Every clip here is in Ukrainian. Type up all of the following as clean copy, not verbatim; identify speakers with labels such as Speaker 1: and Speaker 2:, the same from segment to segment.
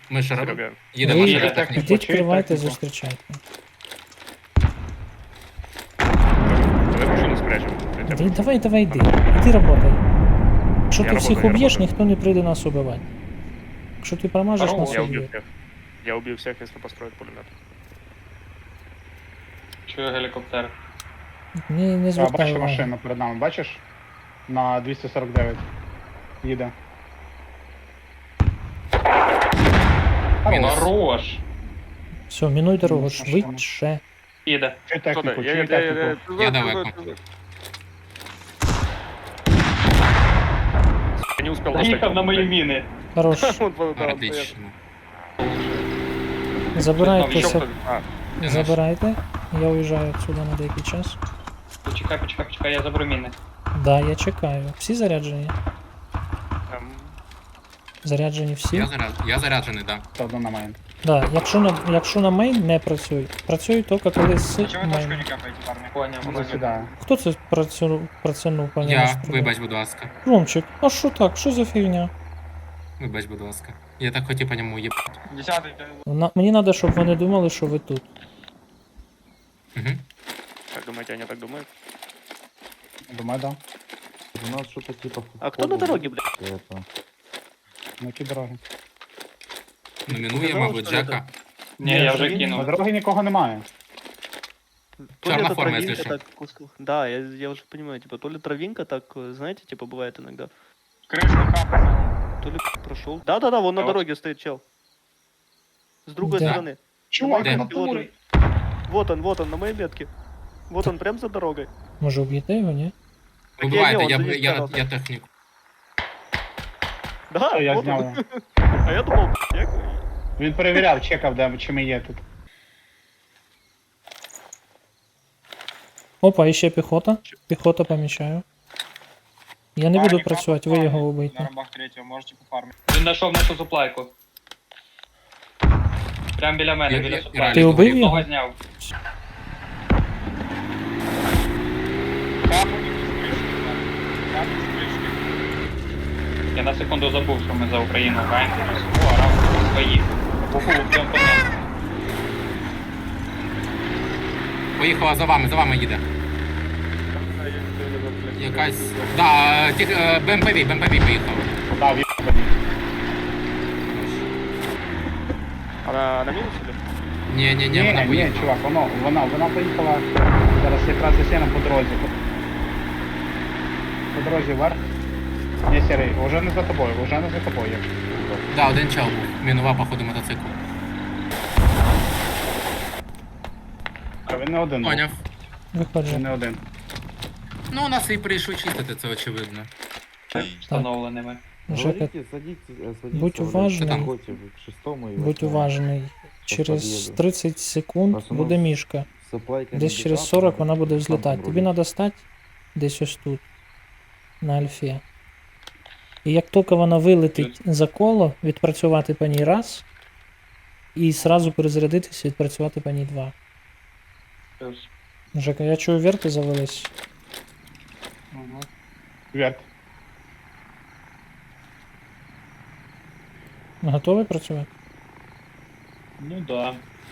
Speaker 1: Ми ж
Speaker 2: Серега.
Speaker 1: їдемо
Speaker 3: Ви
Speaker 1: через
Speaker 2: їдете?
Speaker 1: техніку.
Speaker 3: Ідіть, кривайте,
Speaker 4: техніку.
Speaker 3: зустрічайте.
Speaker 2: Давай машину спрячем.
Speaker 3: Давай, йди. Іди работай. Якщо
Speaker 2: Я
Speaker 3: ти всіх
Speaker 2: работаю, я
Speaker 3: уб'єш,
Speaker 2: работаю.
Speaker 3: ніхто не прийде нас убивати. Якщо ти промажеш,
Speaker 4: Здорово,
Speaker 3: нас
Speaker 2: Я убью
Speaker 3: уб'ють.
Speaker 2: всех. Я убью всех, если построят пулемет.
Speaker 4: Чую гелікоптер.
Speaker 3: Не
Speaker 4: А,
Speaker 3: звертай
Speaker 4: бачиш
Speaker 3: уваги.
Speaker 4: машину перед нами, бачиш? На 249. Їде.
Speaker 1: Мінус.
Speaker 4: Хорош!
Speaker 3: Все, мінуй дорогу,
Speaker 4: Машина.
Speaker 3: швидше.
Speaker 4: Їде.
Speaker 2: Что
Speaker 4: Чуй
Speaker 2: да?
Speaker 4: техніку, чуй техніку.
Speaker 1: Я далеко.
Speaker 2: Я не успел
Speaker 4: Заїхав на мої міни.
Speaker 3: Хорош.
Speaker 1: Отлично.
Speaker 3: Забирайтеся,
Speaker 1: Я
Speaker 3: забирайте. Я уїжджаю отсюда на деякий час.
Speaker 4: Почекай, я заберу міни.
Speaker 3: Да, я чекаю. Всі заряджені? Заряджені всі?
Speaker 1: Я заряджений, так.
Speaker 4: Та одна на мейн.
Speaker 3: Да, якщо на мейн не працюй. Працюй тільки коли з мейн.
Speaker 4: капаєте, парні? Поняв,
Speaker 3: Ну,
Speaker 4: поняв.
Speaker 2: Засідаю.
Speaker 3: Хто це працюнув по ньому?
Speaker 1: Я, вибач, будь ласка.
Speaker 3: Ромчик, а що так? Що за фігня?
Speaker 1: Вибач, будь ласка. Я так хотів по ньому їбати.
Speaker 4: 10-й.
Speaker 3: Мені треба, щоб вони думали, що ви тут.
Speaker 1: Угу.
Speaker 2: Как думаете, они так думают?
Speaker 4: Думаю, да.
Speaker 5: У нас что-то типа...
Speaker 6: А кто на дороге, блядь?
Speaker 5: Это...
Speaker 4: На які дороги?
Speaker 1: Номінує, мабуть,
Speaker 6: що ли,
Speaker 1: Джека.
Speaker 4: Ні, я вже
Speaker 2: Ну,
Speaker 4: кинув.
Speaker 2: да.
Speaker 4: На дороги нікого немає.
Speaker 6: То ли
Speaker 1: Черная
Speaker 6: это
Speaker 1: форма,
Speaker 6: травинка
Speaker 1: если что.
Speaker 6: так кускал. Да, я уже понимаю, типа, то ли травинка так, знаете, типа, бывает иногда.
Speaker 4: Кришка капає.
Speaker 6: То ли прошел. Да-да-да, вон на
Speaker 4: А вот-
Speaker 6: дороге стоит чел. С другой
Speaker 3: Да.
Speaker 6: стороны.
Speaker 4: Чувак,
Speaker 1: Де?
Speaker 4: на турі.
Speaker 6: Вот он, на моей метке. Вот он, прям за дорогой.
Speaker 3: Може вб'єте його, ні?
Speaker 1: Вибивайте,
Speaker 6: он за ним
Speaker 1: я
Speaker 6: старался.
Speaker 1: техніку.
Speaker 6: Да,
Speaker 4: Я
Speaker 6: вот
Speaker 4: зняв.
Speaker 6: он. А я думал, я...
Speaker 4: Він перевіряв, чекав, де чи ми є тут.
Speaker 3: Опа, і ще піхота. Піхота помічаю. Я не буду працювати, ви його убийте.
Speaker 4: рабах третього, можете пофармити. Він знайшов нашу суплайку. Прям біля мене,
Speaker 1: Я-
Speaker 4: біля
Speaker 1: я-
Speaker 4: суплайки.
Speaker 3: Ти убив його?
Speaker 4: Одного зняв. Я на секунду забув, що ми за Україну граємо. О, араб свої. Буху в цьому понятно.
Speaker 1: Поїхала за вами їде. Якась. Да, БМПВ поїхала.
Speaker 4: Да, він
Speaker 6: Она на минус или?
Speaker 1: Ні, вона
Speaker 4: ні,
Speaker 1: поїхала.
Speaker 4: чувак, вона поїхала зараз якраз за сіном по дорозі. По дорозі вверх. Ні, Сірий, вже не за тобою, вже не за тобою.
Speaker 1: Да, один чел був. Мінував, походу, мотоцикл.
Speaker 4: А він не один. був.
Speaker 1: Поняв.
Speaker 4: Він
Speaker 3: Виходжу.
Speaker 4: не один.
Speaker 1: Ну, у нас і прийшли чистити, це очевидно.
Speaker 4: Встановленими.
Speaker 3: Жека,
Speaker 5: Говорите, садитесь,
Speaker 3: будь уважний.
Speaker 5: Заходите к шестому и
Speaker 3: будь
Speaker 5: восьмому.
Speaker 3: уважний. Через
Speaker 5: під'їду.
Speaker 3: 30 секунд
Speaker 5: Просто
Speaker 3: буде
Speaker 5: нас
Speaker 3: мішка.
Speaker 5: Supply
Speaker 3: Десь
Speaker 5: can
Speaker 3: через
Speaker 5: be up,
Speaker 3: 40 вона
Speaker 5: там
Speaker 3: буде взлітати. Тобі
Speaker 5: вроде.
Speaker 3: треба стати десь ось тут. На альфі. І як тільки вона вилетить за коло, відпрацювати по ній раз. І зразу перезарядитися, відпрацювати по ній два.
Speaker 4: Плюс.
Speaker 3: Жека, я чую, верти завелись.
Speaker 4: Угу. Вверх.
Speaker 3: Готовий працювати?
Speaker 4: Ну да.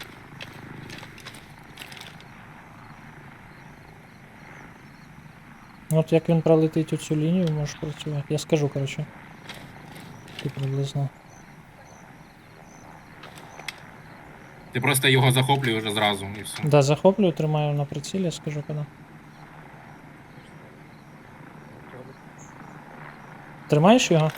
Speaker 3: От як він пролетить оцю лінію, можеш працювати. Я скажу, коротше. Ти приблизно.
Speaker 1: Ти просто його захоплюєш вже зразу і все.
Speaker 3: Да, захоплюю, тримаю на прицілі, я скажу коли. Тримаєш його?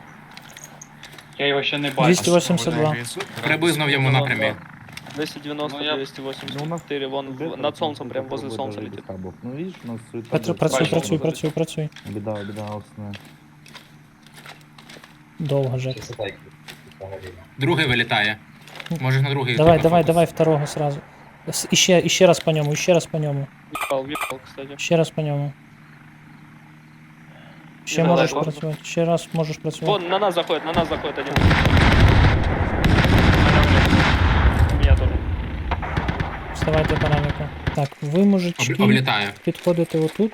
Speaker 4: Я його ще не бачу.
Speaker 3: 282.
Speaker 1: Приблизно в йому напрямі.
Speaker 6: 290,
Speaker 4: Ну, я-
Speaker 6: 284, вон
Speaker 5: Где-то
Speaker 6: над
Speaker 5: там
Speaker 6: солнцем, прям
Speaker 5: попробуй
Speaker 6: возле солнца
Speaker 5: даже
Speaker 6: летит.
Speaker 5: табов. Ну видишь, у нас суета
Speaker 3: Працюй,
Speaker 5: будет.
Speaker 3: працюй.
Speaker 5: Беда, осная.
Speaker 3: Довго, Жек.
Speaker 1: Другий вилітає. Може на другий.
Speaker 3: Давай,
Speaker 1: типа,
Speaker 3: давай,
Speaker 1: фокус.
Speaker 3: давай второго сразу. Іще раз по ньому, іще раз по ньому.
Speaker 6: Въебал, кстати.
Speaker 3: Ще раз по ньому. Ще
Speaker 6: Не
Speaker 3: можеш
Speaker 6: надо,
Speaker 3: працювати. Ще раз можеш працювати.
Speaker 6: Вон, на нас заходит один. У меня тоже.
Speaker 3: Вставайте панаміку. Так, ви, мужички,
Speaker 1: Облітає.
Speaker 3: підходите отут.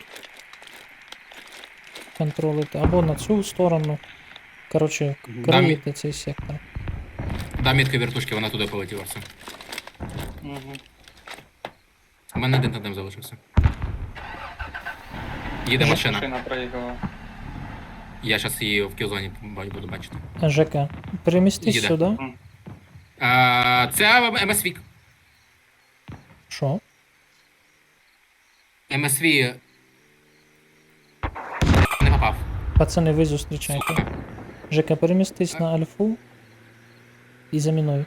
Speaker 3: Контролите. Або на цю сторону. Коротше, криєте цей сектор.
Speaker 1: Дам мітки вертушки, вона туди полетіла все.
Speaker 4: Угу.
Speaker 1: У мене один тандем залишився. Їде машина.
Speaker 4: Машина проїхала.
Speaker 1: Я зараз її в кілзоні буду бачити.
Speaker 3: Жека, перемістись
Speaker 1: Їде.
Speaker 3: сюди.
Speaker 1: Це МСВ.
Speaker 3: Що?
Speaker 1: МСВ не попав.
Speaker 3: Пацани, ви зустрічайте. Жека, перемістись на альфу і замінуй.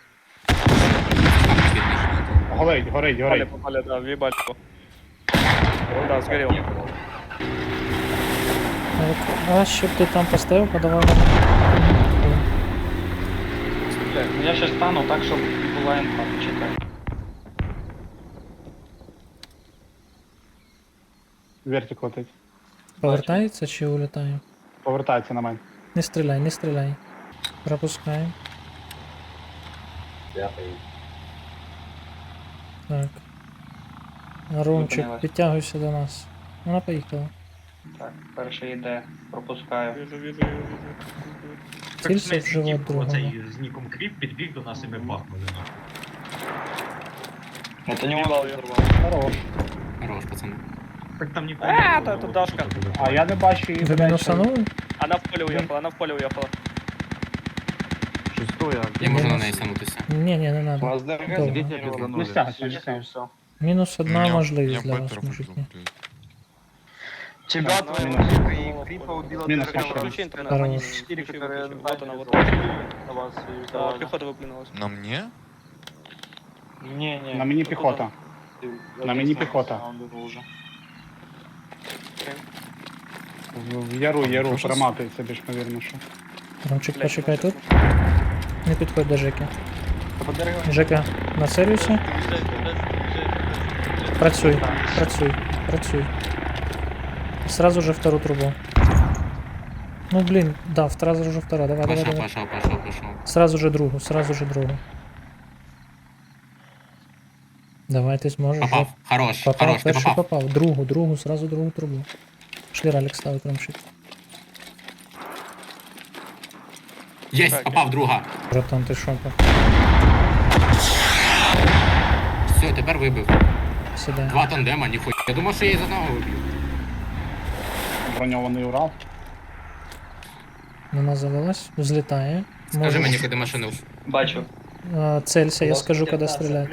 Speaker 7: Горить, горить,
Speaker 2: Попали,
Speaker 7: горить.
Speaker 2: попали, да, въебали его. Да, сгорел.
Speaker 3: А ще б ти там поставив, подавав нам.
Speaker 4: Ну, я ще стану так, щоб була інфа, почекай.
Speaker 7: Вертик летить.
Speaker 3: Повертається чи улітає?
Speaker 7: Повертається на мене.
Speaker 3: Не стріляй, не стріляй. Пропускаємо. Так. Ромчик,
Speaker 4: Зупинилась.
Speaker 3: підтягуйся до нас. Вона поїхала.
Speaker 4: Так, перший йде, пропускаю.
Speaker 2: Вижу, вижу, вижу.
Speaker 3: Цілься в живот другого.
Speaker 8: Оцей з ніком Кріп підбіг до нас і ми бахнули.
Speaker 4: Это не он
Speaker 2: Въебал её.
Speaker 4: взорвал.
Speaker 7: Хорош.
Speaker 1: Хорош, пацани.
Speaker 8: Так там нікого
Speaker 2: А,
Speaker 8: не
Speaker 2: та
Speaker 8: було,
Speaker 2: тут Дашка.
Speaker 8: що туди.
Speaker 7: А я не бачу її.
Speaker 3: Ви
Speaker 7: блядь,
Speaker 3: мінусанули?
Speaker 2: Она в поле уехала, она в поле уехала.
Speaker 5: Шестое.
Speaker 1: Я можу на неї санутися.
Speaker 3: Ні, не надо.
Speaker 6: Вас ДРГ
Speaker 3: Добре.
Speaker 5: Дети
Speaker 7: Не
Speaker 5: пизданули.
Speaker 7: стягайся, не
Speaker 6: все,
Speaker 7: стягайся.
Speaker 6: все.
Speaker 3: Мінус одна
Speaker 9: Я
Speaker 3: можливість для вас,
Speaker 9: Беттер
Speaker 3: мужики.
Speaker 9: вимкнув.
Speaker 6: Тебя
Speaker 2: Да,
Speaker 6: твоего
Speaker 2: минус.
Speaker 6: сука и Крипа убила
Speaker 7: Минус
Speaker 6: ДРГ.
Speaker 7: еще.
Speaker 2: Включи интернет,
Speaker 3: Хорош.
Speaker 2: они 4
Speaker 6: которые
Speaker 2: Вот она, вот.
Speaker 6: на вас и
Speaker 2: Да,
Speaker 6: сдавали.
Speaker 2: пехота выплюнулась.
Speaker 9: На мне?
Speaker 6: Не-не.
Speaker 7: На мені піхота. На мені піхота.
Speaker 6: А он был уже.
Speaker 7: В яру
Speaker 9: Прошу.
Speaker 7: проматується більш ймовірно, що.
Speaker 3: Ромчик,
Speaker 2: Блядь,
Speaker 3: почекай
Speaker 2: ну,
Speaker 3: тут. Не підходь до Жеки.
Speaker 6: По ДРГ.
Speaker 3: Жека, нацелюйся. Працюй, працюй, працюй. Сразу же вторую трубу. Ну блин, да, сразу же вторая. Давай, давай,
Speaker 1: Пошов,
Speaker 3: давай.
Speaker 1: пошов.
Speaker 3: Сразу же другу, сразу же другу. Давай, ты сможешь.
Speaker 1: Попав. Хорош,
Speaker 3: Попав,
Speaker 1: хорош, ти
Speaker 3: перший
Speaker 1: попав.
Speaker 3: попав. Другу, сразу другу трубу. Пошли ралик ставить, Ромчик.
Speaker 1: Єсть,
Speaker 2: Так,
Speaker 1: попав друга.
Speaker 3: Братан, ты шопа.
Speaker 1: Все, тепер вибив.
Speaker 3: Сюда.
Speaker 1: Два тандема, ніхуя. Я думав, що я її з одного виб'ю.
Speaker 7: Броньований Урал.
Speaker 3: Вона завелась, взлетає.
Speaker 1: Скажи
Speaker 3: Можеш,
Speaker 1: мені, куди машину.
Speaker 4: Бачу.
Speaker 3: целься, я скажу, когда стрелять.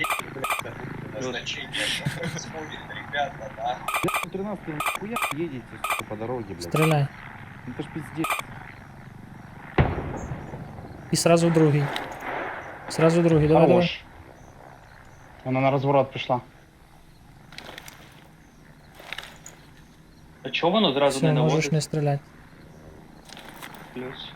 Speaker 5: 13 нихуя едете, сука, по дороге, блядь.
Speaker 3: Стреляй.
Speaker 5: Ну это ж пиздец.
Speaker 3: И сразу другий. Сразу другий, давай, давай.
Speaker 7: Хорош. Вона на розворот пішла.
Speaker 4: А чого воно зразу
Speaker 3: Все,
Speaker 4: не
Speaker 3: можешь
Speaker 4: наводить?
Speaker 3: не стрелять.
Speaker 4: Плюс.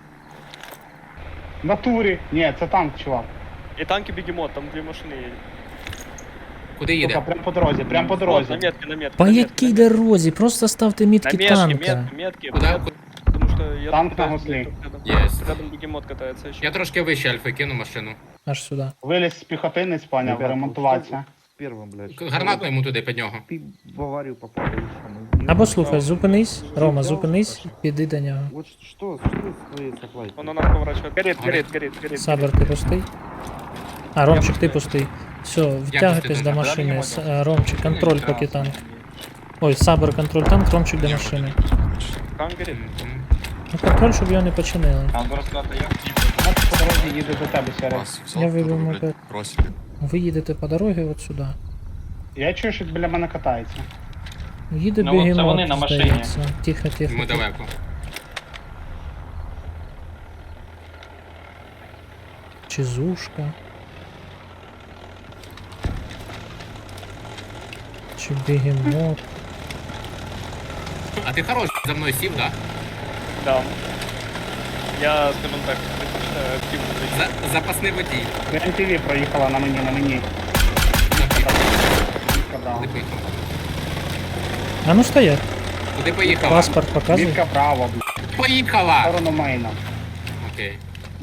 Speaker 7: В натурі. Ні, це танк, чувак.
Speaker 2: И танки бегемот, там 2 машины едет.
Speaker 1: Куди
Speaker 7: Сука,
Speaker 1: їде?
Speaker 7: прям по дорозі, прям по
Speaker 2: Вот, на
Speaker 7: дорозі.
Speaker 2: метке, на метке.
Speaker 3: По
Speaker 2: на метке,
Speaker 3: якій
Speaker 2: на метке.
Speaker 3: дорозі? Просто ставте мітки
Speaker 2: На метке,
Speaker 3: танка.
Speaker 2: метки.
Speaker 1: Куда?
Speaker 2: Потому что я
Speaker 7: Танк
Speaker 2: тут
Speaker 7: на
Speaker 2: пытаюсь
Speaker 7: гусле.
Speaker 2: рядом.
Speaker 1: Єсть.
Speaker 2: Рядом бегемот катается еще.
Speaker 1: Я трошки вище альфи кину машину.
Speaker 3: Аж сюди.
Speaker 7: Виліз з піхотинець, поняв,
Speaker 5: Ребята,
Speaker 7: ремонтуватися.
Speaker 5: Первым, блядь.
Speaker 1: Гранату йому туди під нього.
Speaker 5: Ты в аварию попал, и что? Мы-
Speaker 3: Або слухай, зупинись. Рома, зупинись, піди до нього.
Speaker 5: Вот что с твоей соплай?
Speaker 2: Он на нас поворачивает. Горит, горит, горит, горит.
Speaker 3: Сабер, ти пустий? А, Ромчик, ти пустий. Все, втягуйтесь до машини. Ромчик, контроль поки танк. Ой, Сабер, контроль танк, Ромчик до машини.
Speaker 2: Там горит.
Speaker 3: Ну, контроль, щоб його не починили.
Speaker 4: А зараз куда-то я.
Speaker 7: Вона по дорозі їде до тебе, Серег.
Speaker 9: Вас взял,
Speaker 3: Я
Speaker 9: второй,
Speaker 3: выбил
Speaker 9: блядь,
Speaker 3: мопед.
Speaker 9: бросили.
Speaker 3: Ви їдете по дорозі от сюди.
Speaker 7: Я чую, що біля мене катається.
Speaker 3: Їде
Speaker 4: Ну, от це вони
Speaker 3: бігемот,
Speaker 4: на машині.
Speaker 3: здається. Тихо, тихо.
Speaker 1: Ми далеко.
Speaker 3: Чизушка. Чи бігемот.
Speaker 1: А ти хорош за мною сів, да?
Speaker 2: Да. Я, скажем так, предпочитаю активно зайти.
Speaker 1: Запасний водій.
Speaker 7: МТВ проїхала на мені, на мені. Сказав.
Speaker 1: Куди поїхав?
Speaker 3: А ну стоять.
Speaker 1: Куди поїхала?
Speaker 3: Паспорт показуй.
Speaker 7: Мітка право, блядь, в
Speaker 1: Поїхала!
Speaker 7: сторону мейна.
Speaker 1: Окей.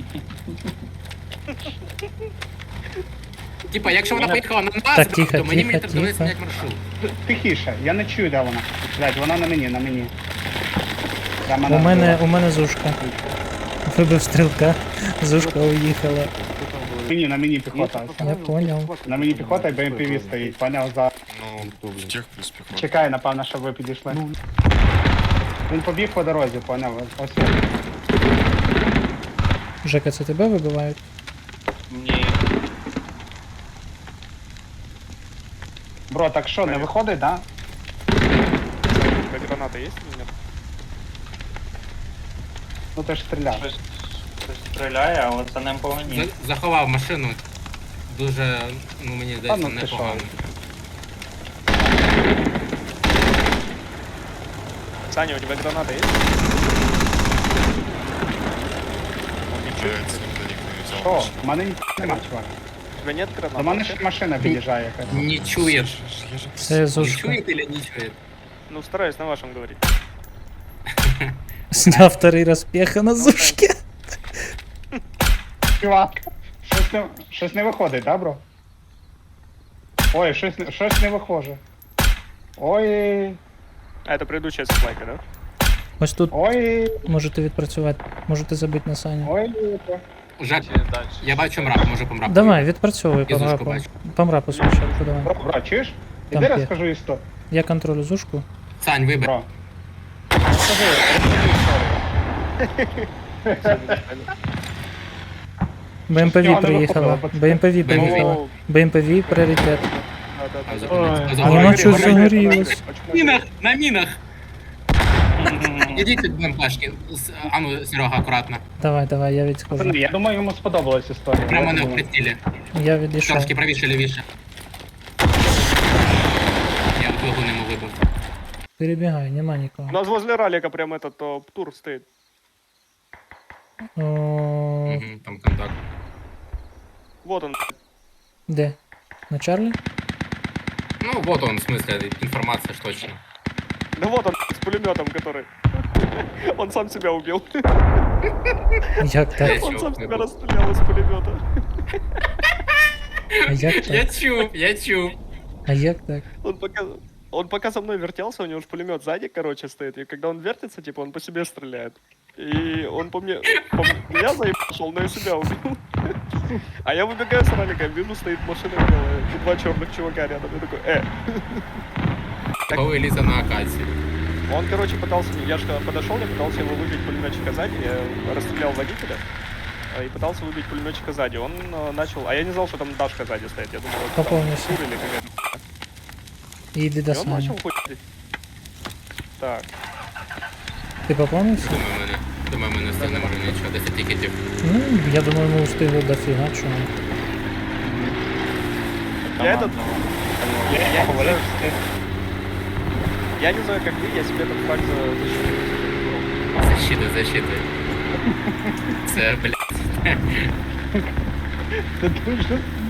Speaker 1: Типа, якщо вона поїхала на нас,
Speaker 3: Так, тихо,
Speaker 1: то мені
Speaker 3: тихо,
Speaker 1: треба довести
Speaker 3: тихо.
Speaker 1: зняти маршрут.
Speaker 7: Тихіше, я не чую, де вона. Блядь, вона на мені, на мені.
Speaker 3: У мене зушка. Вибив стрілка, зушка уїхала.
Speaker 7: На мені піхота.
Speaker 3: Я поняв.
Speaker 7: На мені піхота і БМПВ стоїть, поняв за.
Speaker 9: Ну, в тех плюс пехота.
Speaker 7: Чекай, напевно, щоб ви підійшли. Він побіг по дорозі, поняв? Ось.
Speaker 3: Жека, це тебе вибивають?
Speaker 4: Ні.
Speaker 7: Бро, так що, не виходить, да?
Speaker 2: Граната есть или нет?
Speaker 7: Ну ти ж стріляв.
Speaker 4: Щось стріляє, але це не по мені.
Speaker 1: Заховав машину. Дуже, ну мені здається,
Speaker 7: ну ти що?
Speaker 1: непогано.
Speaker 2: Саня, у тебя граната есть?
Speaker 9: Получается, никто не взял
Speaker 7: Що?
Speaker 9: машину.
Speaker 7: У мене нема, чувак.
Speaker 2: У тебя нет гранаты?
Speaker 7: До мене ще машина під'їжджає якась.
Speaker 1: Не чує.
Speaker 9: Я же
Speaker 3: Це
Speaker 1: Не
Speaker 3: зушка.
Speaker 1: чує или не чує?
Speaker 2: Ну, стараюсь на вашем говорить.
Speaker 3: Сняв вторий раз пеха на зушки.
Speaker 7: Чувак, щось не виходить, да, бро? Ой, щось не виходить. Ой,
Speaker 2: А, это предыдущая сплайка, да?
Speaker 3: Ось тут
Speaker 7: ой,
Speaker 3: можете відпрацювати, можете забити на Саню.
Speaker 7: ой.
Speaker 1: Жак, я бачу мрак, може по мраку.
Speaker 3: Давай, відпрацьовуй
Speaker 1: Я
Speaker 3: по
Speaker 1: зушку
Speaker 3: мрапу.
Speaker 1: бачу.
Speaker 3: По мрапу спочатку, давай.
Speaker 7: Бро, чуєш?
Speaker 3: Там
Speaker 7: Іди
Speaker 3: є.
Speaker 7: розкажу історію.
Speaker 3: Я контролю зушку.
Speaker 1: Сань, вибір.
Speaker 7: Бро. Розкажи історію.
Speaker 3: БМПВ
Speaker 7: нього не
Speaker 3: приїхала.
Speaker 7: виходило, пацани.
Speaker 3: БМПВ приїхала.
Speaker 2: О,
Speaker 3: БМПВ пріоритет.
Speaker 2: да.
Speaker 3: Воно щось загорілось.
Speaker 1: На мінах, на мінах. Ідіть від БМПшки. Ану, Серега, акуратно.
Speaker 3: Давай, я відсхожу.
Speaker 7: Пацани, я думаю, йому сподобалась історія.
Speaker 1: Прямо
Speaker 7: Я
Speaker 1: не в
Speaker 7: думаю.
Speaker 1: прицілі.
Speaker 3: Я відійшов.
Speaker 1: Трошки правіше, лівіше. Я двигун йому вибив.
Speaker 3: Перебігай, нема нікого.
Speaker 2: У нас возле ралика прям этот тур стоит.
Speaker 3: О,
Speaker 1: Мгм, там контакт.
Speaker 2: Вот он.
Speaker 3: де? На Чарлі?
Speaker 1: Ну, вот он, в смысле, информация ж точно.
Speaker 2: Да вот он с пулеметом, который. Он сам себя убил.
Speaker 3: Як так?
Speaker 2: Он сам себя расстрелял из пулемета.
Speaker 3: А як
Speaker 1: Я
Speaker 3: так?
Speaker 1: чув, я чув.
Speaker 3: А як так?
Speaker 2: Он пока за мной вертелся, у него же пулемет сзади, короче, стоит. И когда он вертится, типа, он по себе стреляет. И он по меня заебашил, но и себя убил. А я выбегаю с ралика, вижу, стоит машина белая, и два черных чувака рядом. Я такой,
Speaker 1: Коли лізе на акацію.
Speaker 2: Он, короче, пытался, я же подошел, я пытался его выбить пулеметчика сзади, я расстрелял водителя и пытался выбить пулеметчика сзади. Он начал, а я не знал, что там Дашка сзади стоит, я думал, это там
Speaker 3: Пополнился.
Speaker 2: Тур или какая-то.
Speaker 3: Іди
Speaker 2: И
Speaker 3: до
Speaker 2: он
Speaker 3: Сані.
Speaker 2: начал хуй. Так,
Speaker 3: Ти поповнився?
Speaker 1: Думаю, ми не встигнемо вже нічого, 10 тікетів.
Speaker 3: Ну, я думаю, ми встигли дофіга, чому.
Speaker 2: я этот,
Speaker 7: Я говорю,
Speaker 2: я не знаю, как вы, я себе этот факт защитил.
Speaker 1: Защита. Це, блядь.
Speaker 7: це дуже